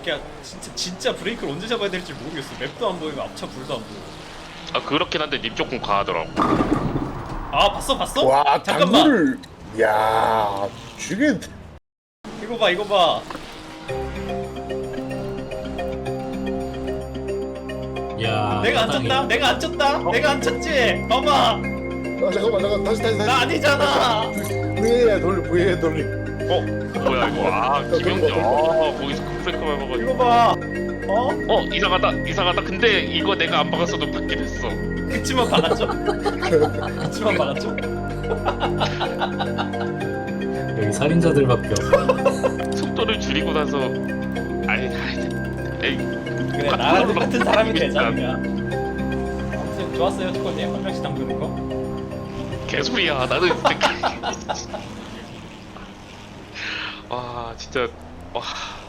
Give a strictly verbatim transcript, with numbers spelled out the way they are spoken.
그냥 진짜 진짜 브레이크를 언제 잡아야 될지 모르겠어. 맵도 안 보이고 앞차 불도 안 보여. 아 그렇긴 한데 님 조금 과하더라고. 아 봤어 봤어? 와 잠깐만. 당구를 야 죽여. 이거 봐 이거 봐. 야, 내가 안 마땅히. 쳤다. 내가 안 쳤다. 어? 내가 안 쳤지. 봐봐. 아 잠깐만 잠깐 다시 다시 다시. 나 아니잖아. 브이에이알 돌리 브이에이알 돌리. 어 뭐야 이거? 아 김영재. 아 거기서 급브레이크 밟아가지고. 이거 봐. 어? 어 이상하다 이상하다. 근데 이거 내가 안 박았어도 받긴 했어. 그치만 박았죠? 그치만 박았죠? 여기 살인자들밖에 없어. 속도를 줄이고 나서 아니 아니 에이 그래 나랑 똑같은 사람이 되자 그냥. 아무튼 좋았어요 초코님 한 명씩 담그는 거. 개소리야. 나는 진짜 와 진짜 와